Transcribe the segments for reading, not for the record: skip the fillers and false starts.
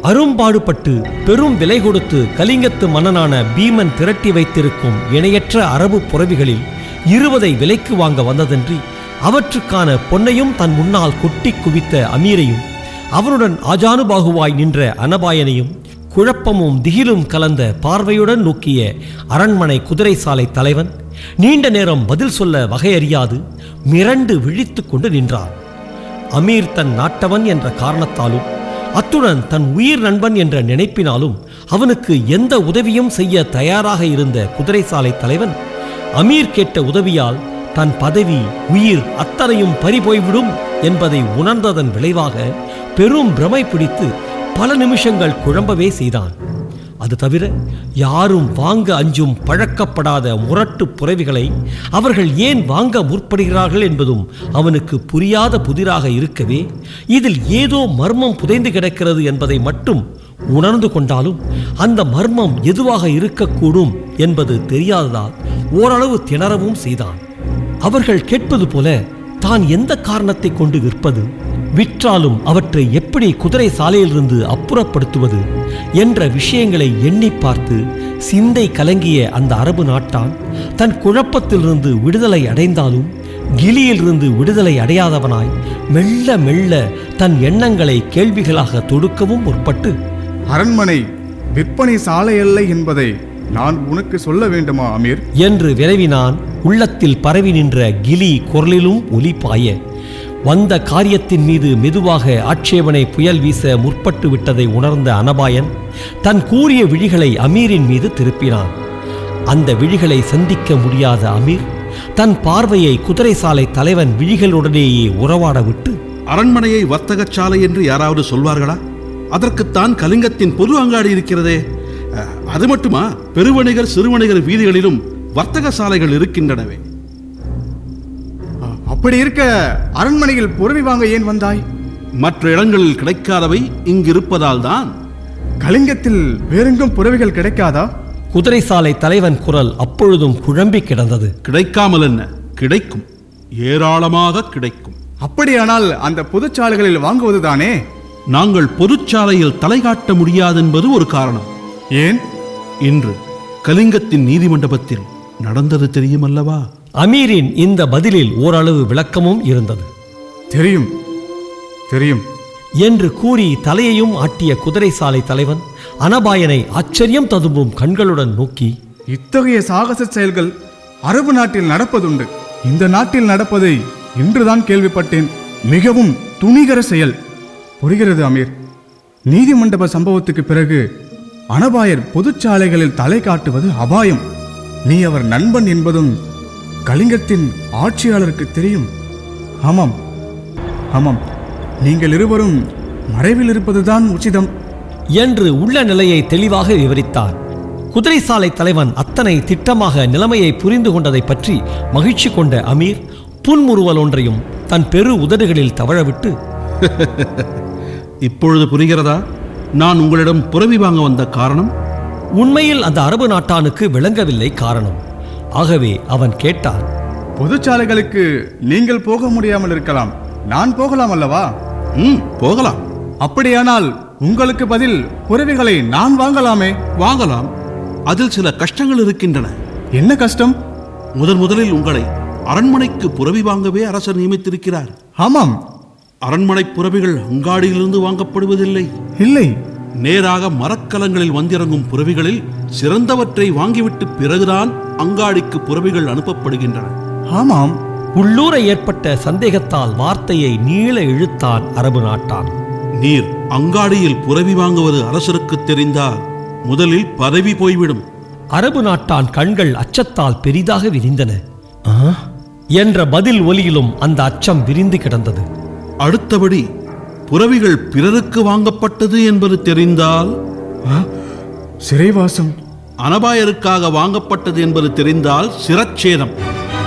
அரும்பாடுபட்டு பெரும் விலை கொடுத்து கலிங்கத்து மன்னனான பீமன் திரட்டி வைத்திருக்கும் இணையற்ற அரபு புரவிகளில் 20 விலைக்கு வாங்க வந்ததன்றி அவற்றுக்கான பொன்னையும் தன் முன்னால் கொட்டி குவித்த அமீரையும் அவனுடன் ஆஜானுபாகுவாய் நின்ற அனபாயனையும் குழப்பமும் திகிலும் கலந்த பார்வையுடன் நோக்கிய அரண்மனை குதிரை சாலை தலைவன் நீண்ட நேரம் பதில் சொல்ல வகையறியாது மிரண்டு விழித்து கொண்டு நின்றான். அமீர் தன் நாட்டவன் என்ற காரணத்தாலும் அத்துடன் தன் உயிர் நண்பன் என்ற நினைப்பினாலும் அவனுக்கு எந்த உதவியும் செய்ய தயாராக இருந்த குதிரை சாலை தலைவன் அமீர் கேட்ட உதவியால் தன் பதவி உயிர் அத்தனையும் பறிபோய்விடும் என்பதை உணர்ந்ததன் விளைவாக பெரும் பிரமை பிடித்து பல நிமிஷங்கள் குழம்பவே செய்தான். அது தவிர யாரும் வாங்க அஞ்சும் பழக்கப்படாத முரட்டு புரவிகளை அவர்கள் ஏன் வாங்க முற்படுகிறார்கள் என்பதும் அவனுக்கு புரியாத புதிராக இருக்கவே இதில் ஏதோ மர்மம் புதைந்து கிடக்கிறது என்பதை மட்டும் உணர்ந்து கொண்டாலும் அந்த மர்மம் எதுவாக இருக்கக்கூடும் என்பது தெரியாததால் ஓரளவு திணறவும் செய்தான். அவர்கள் கேட்பது போல தான் எந்த காரணத்தை கொண்டு விற்பது, விற்றாலும் அவற்றை எப்படி குதிரை சாலையிலிருந்து அப்புறப்படுத்துவது என்ற விஷயங்களை எண்ணி பார்த்து சிந்தை கலங்கிய அந்த அரபு நாட்டான் தன் குழப்பத்திலிருந்து விடுதலை அடைந்தாலும் கிலியிலிருந்து விடுதலை அடையாதவனாய் மெல்ல மெல்ல தன் எண்ணங்களை கேள்விகளாக தொடுக்கவும் முற்பட்டு, அரண்மனை விற்பனை சாலை அல்ல என்பதை நான் உனக்கு சொல்ல வேண்டுமா அமீர் என்று விரைவினான். உள்ளத்தில் பரவி நின்ற கிலி குரலிலும் ஒலி பாய வந்த காரியத்தின் மீது மெதுவாக ஆட்சேபனை புயல் வீச முற்பட்டு விட்டதை உணர்ந்த அனபாயன் தன் கூரிய விழிகளை அமீரின் மீது திருப்பினான். அந்த விழிகளை சந்திக்க முடியாத அமீர் தன் பார்வையை குதிரை சாலை தலைவன் விழிகளுடனேயே உறவாட விட்டு, அரண்மனையை வர்த்தக சாலை என்று யாராவது சொல்வார்களா? அதற்குத்தான் கலிங்கத்தின் பொது அங்காடி இருக்கிறதே. அது மட்டுமா, பெருவணிகர் சிறுவணிகர் வீதிகளிலும் வர்த்தக சாலைகள் இருக்கின்றனவே. அப்படி இருக்க அரண்மனையில் புரவி வாங்க ஏன் வந்தாய்? மற்ற இடங்களில் கிடைக்காதவை இங்கிருப்பதால் தான். கலிங்கத்தில் வேறெங்கும் புரவிகள் கிடைக்காதா? குதிரை சாலை தலைவன் குரல் அப்பொழுதும் குழம்பி கிடந்தது. கிடைக்காமல் என்ன, கிடைக்கும், ஏராளமாக கிடைக்கும். அப்படியானால் அந்த பொதுச்சாலைகளில் வாங்குவதுதானே? நாங்கள் பொதுச்சாலையில் தலை காட்ட முடியாதென்பது ஒரு காரணம். ஏன்? இன்று கலிங்கத்தின் நீதிமண்டபத்தில் நடந்தது தெரியுமல்லவா? அமீரின் இந்த பதிலில் ஓரளவு விளக்கமும் இருந்தது. தெரியும் தெரியும் என்று கூறி தலையையும் ஆட்டிய குதிரை சாலை தலைவன் அனபாயனை ஆச்சரியம் ததும்பும் கண்களுடன் நோக்கி, இத்தகைய சாகச செயல்கள் அரபு நாட்டில் நடப்பதுண்டு. இந்த நாட்டில் நடப்பதை இன்றுதான் கேள்விப்பட்டேன். மிகவும் துணிகர செயல். புரிகிறது அமீர். நீதிமண்டப சம்பவத்துக்கு பிறகு அனபாயர் பொதுச்சாலைகளில் தலை காட்டுவது அபாயம். நீ அவர் நண்பன் என்பதும் கலிங்கத்தின் ஆட்சியாளருக்கு தெரியும். ஆமாம் ஆமாம், நீங்கள் இருவரும் மறைவில் இருப்பதுதான் உச்சிதம் என்று உள்ள நிலையை தெளிவாக விவரித்தார். குதிரை சாலை தலைவன் அத்தனை திட்டமாக நிலைமையை புரிந்து கொண்டதை பற்றி மகிழ்ச்சி கொண்ட அமீர் புன்முறுவல் ஒன்றையும் தன் பெரு உதடுகளில் தவழவிட்டு, இப்பொழுது புரிகிறதா நான் உங்களிடம் புரவி வாங்க வந்த காரணம்? உண்மையில் அந்த அரபு நாட்டானுக்கு விளங்கவில்லை காரணம். ஆகவே அவன் கேட்டான், பொதுச்சாலைகளுக்கு நீங்கள் போக முடியாமல் இருக்கலாம், நான் போகலாம் அல்லவா? போகலாம். அப்படியானால் உங்களுக்கு பதில் புரவிகளை நான் வாங்கலாமே? வாங்கலாம். அதில் சில கஷ்டங்கள் இருக்கின்றன. என்ன கஷ்டம்? முதலில் உங்களை அரண்மனைக்கு புரவி வாங்கவே அரசர் நியமித்திருக்கிறார். ஆமாம். அரண்மனை புரவிகள் அங்காடியிலிருந்து வாங்கப்படுவதில்லை. இல்லை, நேராக மரக்கலங்களில் வந்திறங்கும் புரவிகளில் சிறந்தவற்றை வாங்கிவிட்டு பிறகுதான் அங்காடிக்கு புரவிகள் அனுப்பப்படுகின்றன. ஆமாம். உள்ளூர ஏற்பட்ட சந்தேகத்தால் வார்த்தையை நீள இழுத்தான் அரபு நாட்டான். நீர் அங்காடியில் புரவி வாங்குவது அரசருக்கு தெரிந்தால் முதலில் பதவி போய்விடும். அரபு நாட்டான் கண்கள் அச்சத்தால் பெரிதாக விரிந்தன. என்ற பதில் ஒலியிலும் அந்த அச்சம் விரிந்து கிடந்தது. அடுத்தபடி புரவிகள் பிறருக்கு வாங்கப்பட்டது என்பது தெரிந்தால், சிறைவாசம். அனபாயருக்காக வாங்கப்பட்டது என்பது தெரிந்தால் சிரச்சேதம்.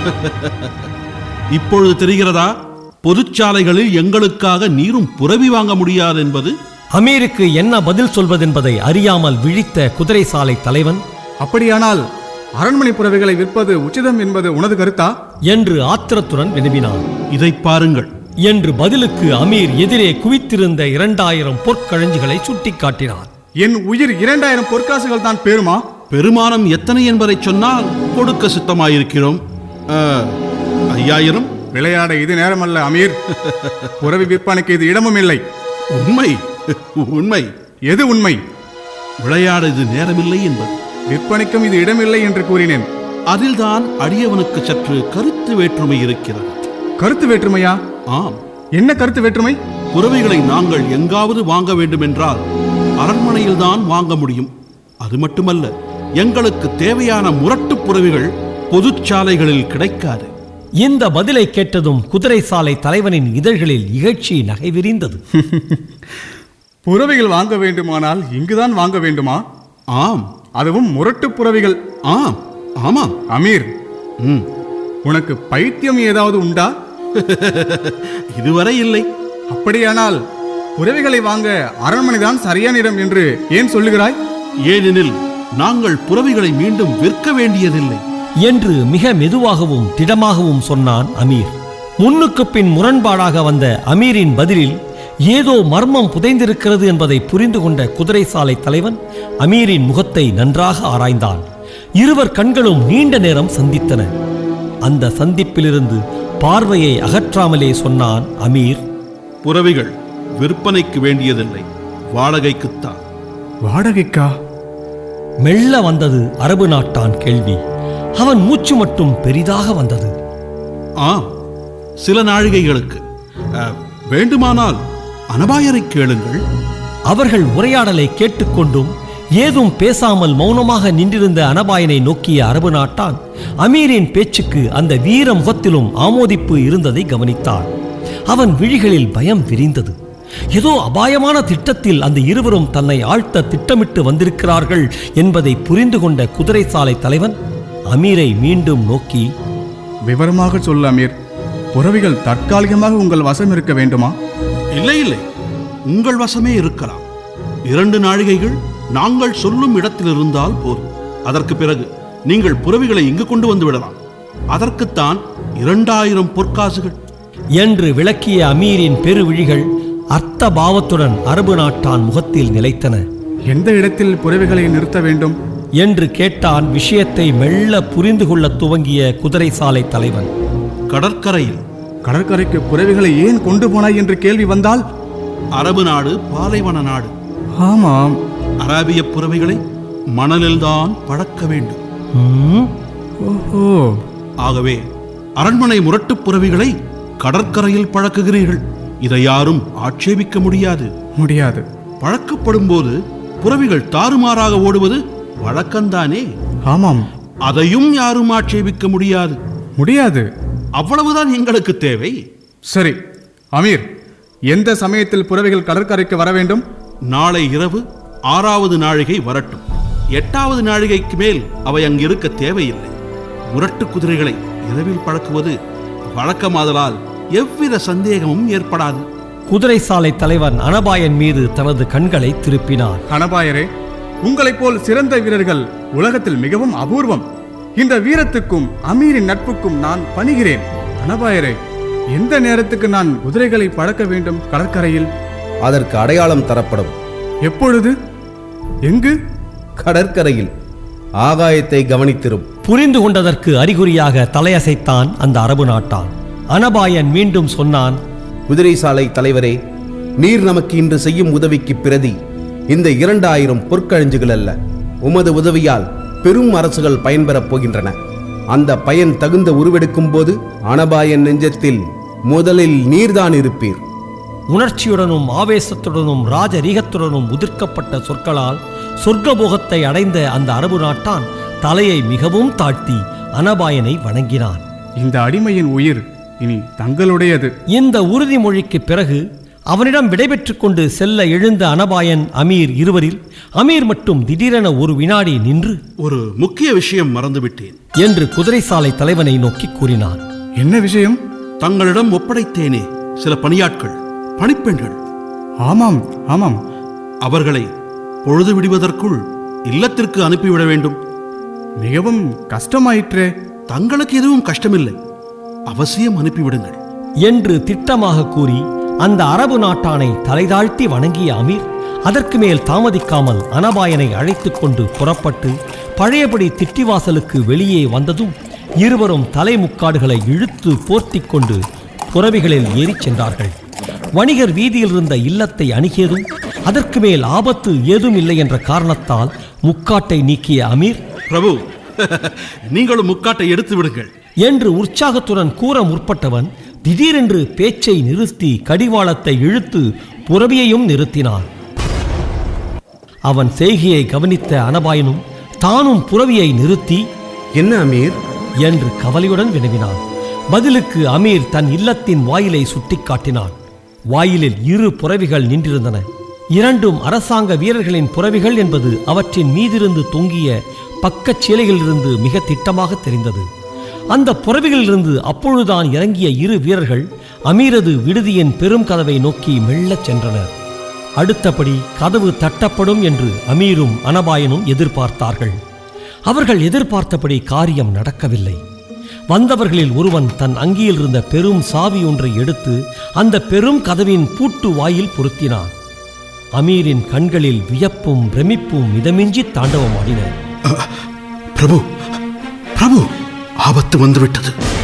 இப்பொழுது தெரிகிறதா பொதுச்சாலைகளில் எங்களுக்காக நீரும் புரவி வாங்க முடியாது என்பது? அமீருக்கு என்ன பதில் சொல்வதென்பதை அறியாமல் விழித்த குதிரை சாலை தலைவன், அப்படியானால் அரண்மனை புரவிகளை விற்பது உச்சிதம் என்பது உனது கருத்தா என்று ஆத்திரத்துடன் வினவினான். இதை பாருங்கள், என்று பதிலுக்கு அமீர் எதிரே குவித்திருந்த 2000 பொற்கழஞ்சுகளை சுட்டிக்காட்டினார். என் உயிர் 2000 பொற்காசுகள் தான் பெருமா. பெருமானம் எத்தனை என்பதை சொன்னால் கொடுக்க சித்தமாயிருக்கிறோம். 5000. விளையாட இது நேரமல்ல அமீர். புறவி விற்பனைக்கு இது இடமும் இல்லை. உண்மை உண்மை. எது உண்மை? விளையாட இது நேரமில்லை என்பது. விற்பனைக்கும் இது இடமில்லை என்று கூறினேன். அதில்தான் அடியவனுக்கு சற்று கருத்து வேற்றுமை இருக்கிறது. கருத்து வேற்றுமையா? ஆம். என்ன கருத்து வேற்றுமை? புறவைகளை நாங்கள் எங்காவது வாங்க வேண்டுமென்றால் அரண்மனையில்தான் வாங்க முடியும். அது மட்டுமல்ல, எங்களுக்கு தேவையான முரட்டு புறவைகள் பொதுச்சாலைகளில் கிடைக்காது. இந்த பதிலை கேட்டதும் குதிரை சாலை தலைவனின் இதழ்களில் இகழ்ச்சி நகை விரிந்தது. புறவைகள் வாங்க வேண்டுமானால் இங்குதான் வாங்க வேண்டுமா? ஆம். அதுவும் முரட்டு புறவைகள். ஆம். ஆமாம். அமீர், ம். உனக்கு பைத்தியம் ஏதாவது உண்டா? இதுவரை இல்லை. அப்படியானால் புறவைகளை வாங்க அரண்மனைதான் சரியான இடம் என்று ஏன் சொல்லுகிறாய்? ஏனெனில் நாங்கள் புறவைகளை மீண்டும் விற்க வேண்டியதில்லை என்று மிக மெதுவாகவும் திடமாகவும் சொன்னான் அமீர். முன்னுக்கு பின் முரண்பாடாக வந்த அமீரின் பதிலில் ஏதோ மர்மம் புதைந்திருக்கிறது என்பதை புரிந்து கொண்ட குதிரை சாலை தலைவன் அமீரின் முகத்தை நன்றாக ஆராய்ந்தான். இருவர் கண்களும் நீண்ட நேரம் சந்தித்தன. அந்த சந்திப்பிலிருந்து பார்வையை அகற்றாமலே சொன்னான் அமீர், புறவைகள் விற்பனைக்கு வேண்டியதில்லை, வாடகைக்குத்தான். வாடகைக்கா? மெல்ல வந்தது அரபு நாட்டான் கேள்வி. அவன் மூச்சு மட்டும் பெரிதாக வந்தது. ஆம், சில நாழிகைகளுக்கு. வேண்டுமானால் அனபாயரை கேளுங்கள். அவர்கள் உரையாடலை கேட்டுக்கொண்டும் ஏதும் பேசாமல் மௌனமாக நின்றிருந்த அனபாயனை நோக்கிய அரபு நாட்டான் அமீரின் பேச்சுக்கு அந்த வீர முகத்திலும் ஆமோதிப்பு இருந்ததை கவனித்தான். அவன் விழிகளில் பயம் விரிந்தது. ஏதோ அபாயமான திட்டத்தில் அந்த இருவரும் தன்னை ஆழ்த்த திட்டமிட்டு வந்திருக்கிறார்கள் என்பதை புரிந்து கொண்ட குதிரை சாலை தலைவன் அமீரை மீண்டும் நோக்கி, விவரமாக சொல்ல அமீர். புறவிகள் தற்காலிகமாக உங்கள் வசம் இருக்க வேண்டுமா? இல்லை இல்லை, உங்கள் வசமே இருக்கலாம். 2 நாழிகைகள் நாங்கள் சொல்லும் இடத்தில் இருந்தால் போதும். அதற்கு பிறகு நீங்கள் புறவிகளை இங்கு கொண்டு வந்து விடலாம். அதற்குத்தான் 2000 பொற்காசுகள் என்று விளக்கிய அமீரின் பெருவிழிகள் அர்த்த பாவத்துடன் அரபு நாட்டான் முகத்தில் நிலைத்தன. எந்த இடத்தில் புறவிகளை நிறுத்த வேண்டும் என்று கேட்டான் விஷயத்தை மெல்ல புரிந்து கொள்ள துவங்கிய குதிரை சாலை தலைவன். கடற்கரையில். கடற்கரைக்கு புறவிகளை ஏன் கொண்டு போனாய் என்று கேள்வி வந்தால்? அரபு நாடு பாலைவன நாடு. ஆமாம். அராபிய புறவைகளை மணலில்தான் பழக்க வேண்டும். ஓஹோ. ஆகவே அரண்மனை முரட்டு புறவிகளை கடற்கரையில் பழக்குகிறீர்கள். இதை யாரும் ஆட்சேபிக்க முடியாது. முடியாது. பழக்கப்படும் போது புறவிகள் தாறுமாறாக ஓடுவது வழக்கம்தானே? ஆமாம். அதையும் யாரும் ஆட்சேபிக்க முடியாது. முடியாது. அவ்வளவுதான் எங்களுக்கு தேவை. சரி அமீர், எந்த சமயத்தில் புறவிகள் கடற்கரைக்கு வர வேண்டும்? நாளை இரவு 6வது நாழிகை வரட்டும். 8வது நாழிகைக்கு மேல் அவை அங்கிருக்க தேவையில்லை. முரட்டு குதிரைகளை இரவில் பழக்குவது வழக்கமாதலால் எவ்வித சந்தேகமும் ஏற்படாது. குதிரை சாலை தலைவன் அனபாயன் மீது தனது கண்களை திருப்பினான். அனபாயரே, உங்களைப் போல் சிறந்த வீரர்கள் உலகத்தில் மிகவும் அபூர்வம். இந்த வீரத்துக்கும் அமீரின் நட்புக்கும் நான் பணிகிறேன். அனபாயரே, எந்த நேரத்துக்கு நான் குதிரைகளை பழக்க வேண்டும் கடற்கரையில்? அதற்கு அடையாளம் தரப்படும். எப்பொழுது? எங்கு? கடற்கரையில். ஆகாயத்தை கவனித்திரும். புரிந்து கொண்டதற்கு அறிகுறியாக தலையசைத்தான் அந்த அரபு நாட்டான். அனபாயன் மீண்டும் சொன்னான், குதிரை சாலை தலைவரே, நீர் நமக்கு இன்று செய்யும் உதவிக்கு பிரதி இந்த 2000 பொற்கழஞ்சுகள் அல்ல. உமது உதவியால் பெரும் அரசுகள் பயன்பெறப் போகின்றன. அந்த பயன் தகுந்த உருவெடுக்கும் போது அனபாயன் நெஞ்சத்தில் முதலில் நீர்தான் இருப்பீர். உணர்ச்சியுடனும் ஆவேசத்துடனும் ராஜரீகத்துடனும் உதிர்க்கப்பட்ட சொற்களால் சொர்க்கபோகத்தை அடைந்த அந்த அரபு நாட்டான் தலையை மிகவும் தாழ்த்தி அனபாயனை வணங்கினான். இந்த அடிமையின் உயிர் இனி தங்களுடையது. இந்த உறுதிமொழிக்கு பிறகு அவனிடம் விடைபெற்றுக் கொண்டு செல்ல எழுந்த அனபாயன் அமீர் இருவரில் அமீர் மட்டும் திடீரென ஒரு வினாடி நின்று, ஒரு முக்கிய விஷயம் மறந்துவிட்டேன் என்று குதிரை சாலை தலைவனை நோக்கி கூறினான். என்ன விஷயம்? தங்களிடம் ஒப்படைத்தேனே சில பணியாட்கள், பணிப்பெண்கள். ஆமாம் ஆமாம். அவர்களை பொழுது விடுவதற்குள் இல்லத்திற்கு அனுப்பிவிட வேண்டும். மிகவும் கஷ்டமாயிற்றே. தங்களுக்கு எதுவும் கஷ்டமில்லை, அவசியம் அனுப்பிவிடுங்கள் என்று திட்டமாக கூறி அந்த அரபு நாட்டானை தலைதாழ்த்தி வணங்கிய அமீர் அதற்கு மேல் தாமதிக்காமல் அனபாயனை அழைத்துக் கொண்டு புறப்பட்டு பழையபடி திட்டிவாசலுக்கு வெளியே வந்ததும் இருவரும் தலைமுக்காடுகளை இழுத்து போர்த்திக் கொண்டு புறவிகளில் ஏறிச் சென்றார்கள். வணிகர் வீதியில் இருந்த இல்லத்தை அணுகியதும் அதற்கு மேல் ஆபத்து ஏதும் இல்லை என்ற காரணத்தால் முக்காட்டை நீக்கிய அமீர், பிரபு, நீங்களும் முக்காட்டை எடுத்து விடுங்கள் என்று உற்சாகத்துடன் கூற முற்பட்டவன் திடீரென்று பேச்சை நிறுத்தி கடிவாளத்தை இழுத்து புறவியையும் நிறுத்தினான். அவன் செய்கையை கவனித்த அனபாயனும் தானும் புறவியை நிறுத்தி, என்ன அமீர் என்று கவலையுடன் வினவினான். பதிலுக்கு அமீர் தன் இல்லத்தின் வாயிலை சுட்டிக்காட்டினான். வாயிலில் 2 புறவிகள் நின்றிருந்தன. இரண்டும் அரசாங்க வீரர்களின் புறவிகள் என்பது அவற்றின் மீதிருந்து தொங்கிய பக்கச் சீலைகளிலிருந்து மிக திட்டமாக தெரிந்தது. அந்த புறவிகளிலிருந்து அப்பொழுதுதான் இறங்கிய 2 வீரர்கள் அமீரது விடுதியின் பெரும் கதவை நோக்கி மெல்லச் சென்றனர். அடுத்தபடி கதவு தட்டப்படும் என்று அமீரும் அனபாயனும் எதிர்பார்த்தார்கள். அவர்கள் எதிர்பார்த்தபடி காரியம் நடக்கவில்லை. வந்தவர்களில் ஒருவன் தன் அங்கியில் இருந்த பெரும் சாவி ஒன்றை எடுத்து அந்த பெரும் கதவின் பூட்டு வாயில் பொருத்தினான். அமீரின் கண்களில் வியப்பும் பிரமிப்பும் மிதமின்றி தாண்டவமாடின. பிரபு, பிரபு, ஆபத்து வந்துவிட்டது.